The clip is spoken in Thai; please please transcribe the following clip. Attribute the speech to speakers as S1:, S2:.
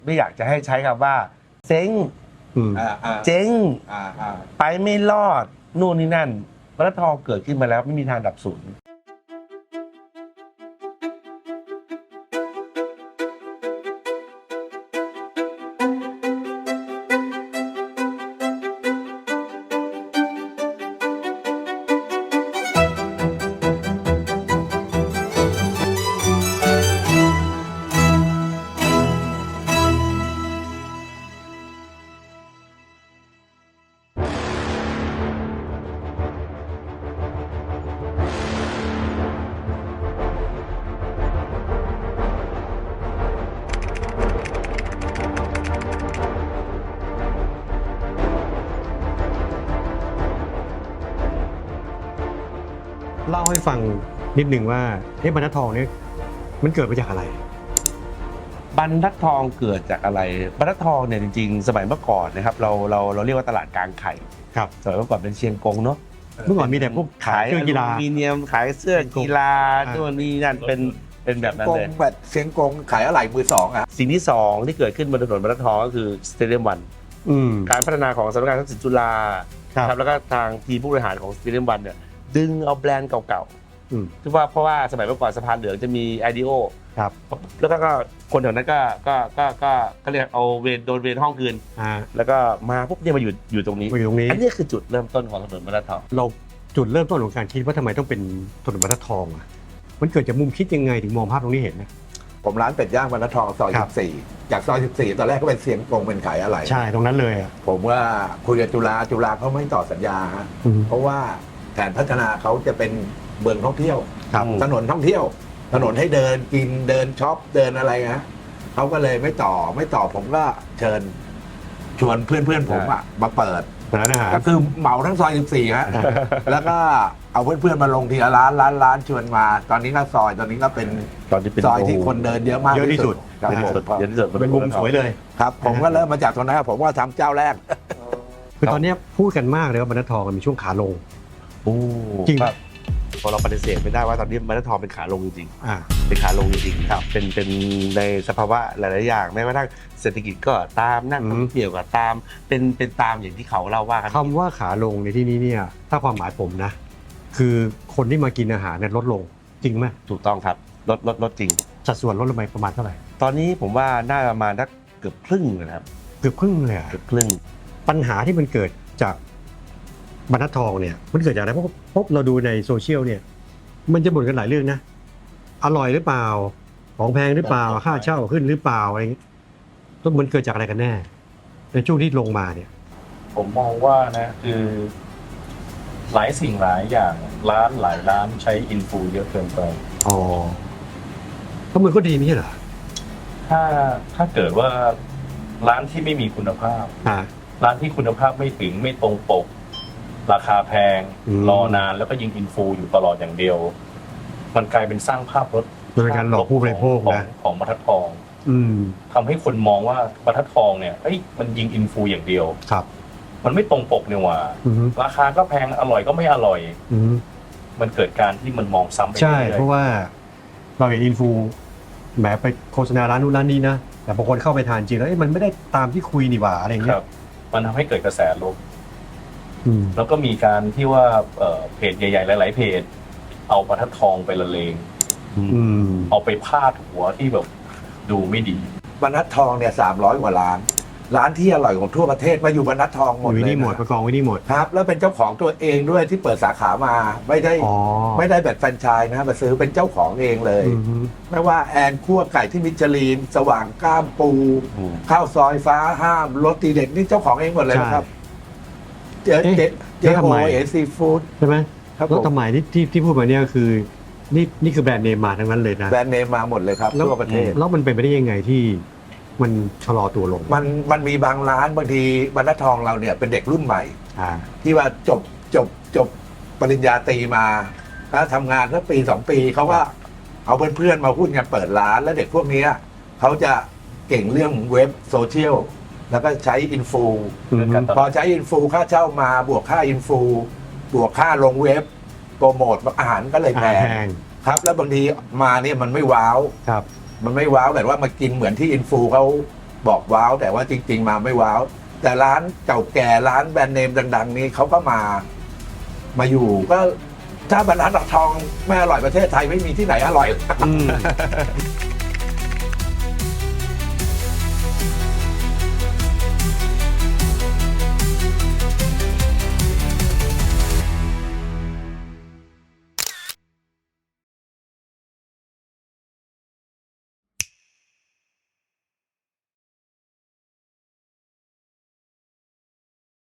S1: ไม่อยากจะให้ใช้คำว่าเจ๊งเจ๊งไปไม่รอดนู่นนี่นั่นปตท.เกิดขึ้นมาแล้วไม่มีทางดับศูนย์
S2: เล่าให้ฟังนิดหนึ่งว่าบรรทัดทองเนี่ยมันเกิดมาจากอะไร
S1: บรรทัดทองเกิดจากอะไรบรรทัดทองเนี่ยจริงๆสมัยเมื่อก่อนนะครับเราเรียกว่าตลาดกลางไข่
S2: ครับ
S1: สมัยเมื่อก่อนเป็นเชียงกงเนาะ
S2: เมื่อก่อนมีแต่พวก
S1: ขาย
S2: เสื้อกีฬา
S1: อลูมิเนียมขายเสื้อกีฬาตัวนี้นั่นเป็นแบบนั้นเลย
S3: แบบเสียงกงขายอะไหล่มือสองอ่ะ
S1: สิ่งที่สองที่เกิดขึ้นบนถนนบรรทัดทองก็คือสเตเดียมวันการพัฒนาของสำนักงานทักษิณจุฬาครับแล้วก็ทางทีมผู้บริหารของสเตเดียมวันเนี่ยดึงเอาแบรนด์เก่าๆที่ว่าเพราะว่าสมัยเมื่อก่อนสะพานเหลืองจะมีไอเดโอ
S2: ครับ
S1: แล้วก็คนแถวนั้นก็เรียกเอาโดนเวรห้องคืนแล้วก็มาปุ๊บเนี่ยมาอยู่ตรงนี้อันนี้คือจุดเริ่มต้นของถนนบรรทัดทอง
S2: เราจุดเริ่มต้นของการคิดว่าทำไมต้องเป็นถนนบรรทัดทองอ่ะมันเกิดจากมุมคิดยังไงถึงมองภาพตรงนี้เห็นนะ
S3: ผมร้านเป็ดย่างบรรทัดทองซอย14จากซอย14ตอนแรกก็เป็นเสียงกงเป็นขายอะไหล่
S2: ใช่ตรงนั้นเลยอ่ะ
S3: ผมว่าคุยกับจุฬาเขาไม่ต่อสัญญาฮะเพราะว่าแผนพัฒนาเขาจะเป็นเมืองท่องเที่ยวถนนท่องเที่ยวถนนให้เดินกินเดินช็อปเดินอะไรนะเขาก็เลยไม่ต่อผมก็เชิญชวนเพื่อนผมอะมาเปิดก็คือเหมาทั้งซอย14ฮะแล้วก็เอาเพื่อนๆมาลงทีละร้านชวนมาตอนนี้ก็ซอยตอนนี้ก็เป็นซอยที่คนเดินเยอะมาก
S2: ที่สุด
S1: เยอะที่สุด
S2: เป็นมุมสวยเลย
S3: ครับผมก็เริ่มมาจากตรงนั้นครับผมว่าทำเจ้าแรก
S2: คือตอนนี้พูดกันมากเลยว่าบรรทัดทองมันมีช่วงขาลง
S1: จริงครับพอเราปฏิเสธไม่ได้ว่าตอนนี้บรรทัดทองเป็นขาลงจริงๆเป็นขาลงจริงๆครับเป็นในสภาวะหลายๆอย่างแม้กระทั่งเศรษฐกิจก็ตามนักท่องเที่ยวก็ตามเป็นตามอย่างที่เขาเล่าว่ากัน
S2: คำว่าขาลงในที่นี้เนี่ยถ้าความหมายผมนะคือคนที่มากินอาหารเนี่ยลดลงจริงไหม
S1: ถูกต้องครับลดจริง
S2: สัดส่วนลดลงไปประมาณเท่าไหร่
S1: ตอนนี้ผมว่าน่าประมาณเกือบครึ่งนะครับ
S2: เกือบครึ่งเลย
S1: เกือบครึ่ง
S2: ปัญหาที่มันเกิดจากบรรทัดทองเนี่ยมันเกิดจากอะไรเพราะเราดูในโซเชียลเนี่ยมันจะบ่นกันหลายเรื่องนะอร่อยหรือเปล่าของแพงหรือเปล่าค่าเช่าขึ้นหรือเปล่าอะไรแล้วมันเกิดจากอะไรกันแน่ในช่วงที่ลงมาเนี่ย
S4: ผมมองว่านะคือหลายสิ่งหลายอย่างหลายร้านใช้อินฟูเยอะเกินไป
S2: ก็มันก็ดีไม่ใช่เหรอ
S4: ถ้าเกิดว่าร้านที่ไม่มีคุณภาพร้านที่คุณภาพไม่ถึงไม่ตรงปกราคาแพงรอนานแล้วก็ยิงอินฟูอยู่ตลอดอย่างเดียวมันกลายเป็นสร้างภาพลด
S2: เป็นการหลอกผู้บริโภคนะ
S4: ของบรรทัดทองทำให้คนมองว่าบรรทัดทองเนี่ยมันยิงอินฟูอย่างเดียว
S2: ครับ
S4: มันไม่ตรงปกเนี่ยว่าราคาก็แพงอร่อยก็ไม่อร่อยมันเกิดการที่มันมองซ้ำไป
S2: ใช่เพราะว่าเราเห็นอินฟูแหมไปโฆษณาร้านนู้นร้านนี้นะแต่บางคนเข้าไปทานจริงแล้วมันไม่ได้ตามที่คุยนี่หว่าอะไรอย่างเงี้ย
S4: มันทำให้เกิดกระแสลบแล้วก็มีการที่ว่าเพจใหญ่ๆหลายๆเพจเอาบรรทัดทองไปละเลงเอาไปพาดหัวที่แบบดูไม่ดี
S3: บรรทัดทองเนี่ย300 กว่าร้านที่อร่อยของทั่วประเทศมาอยู่บรรทัดทองหมดเลย
S2: นี่หมดประกองไว้นี่หมด
S3: ครับแล้วเป็นเจ้าของตัวเองด้วยที่เปิดสาขามาไม่ได้แบบแฟรนไชส์นะมาซื้อเป็นเจ้าของเองเลยไม่ว่าแอนคั่วไก่ที่มิชลินสว่างก้ามปูข้าวซอยฟ้าห้ามรสตีเด็ดนี่เจ้าของเองหมดเลยนะครับเจ๊โอเอซีฟู้ด
S2: ใช่ไหมแล้วทำไมที่พูดมาเนี่ยคือนี่คือแบรนด์เนมมาทั้งนั้นเลยนะ
S3: แบรนด์เนมมาหมดเลยครับทั่วประเทศ
S2: แล้วมันเป็นไปได้ยังไงที่มันชะลอตัวลง
S3: มันมีบางร้านบางทีบรรทัดทองเราเนี่ยเป็นเด็กรุ่นใหม่ที่ว่าจบปริญญาตรีมาแล้วทำงานสักปี2 ปีเขาก็เอาเพื่อนๆมาพูดกันเปิดร้านแล้วเด็กพวกนี้เขาจะเก่งเรื่องเว็บโซเชียลแล้วก็ใช้อินฟูพอใช้อินฟูค่าเช่ามาบวกค่าอินฟูบวกค่าลงเว็บโปรโมทอาหารก็เลยแพงครับแล้วบางทีมาเนี่ยมันไม่ว้าวมันไม่ว้าวแบบว่ามากินเหมือนที่อินฟูเขาบอกว้าวแต่ว่าจริง ๆ มาไม่ว้าว แต่ร้านเก่าแก่ร้านแบรนด์เนมดัง ๆ นี้เขาก็มาอยู่ก็ถ้าบรรทัดทองไม่อร่อยประเทศไทยไม่มีที่ไหนอร่อย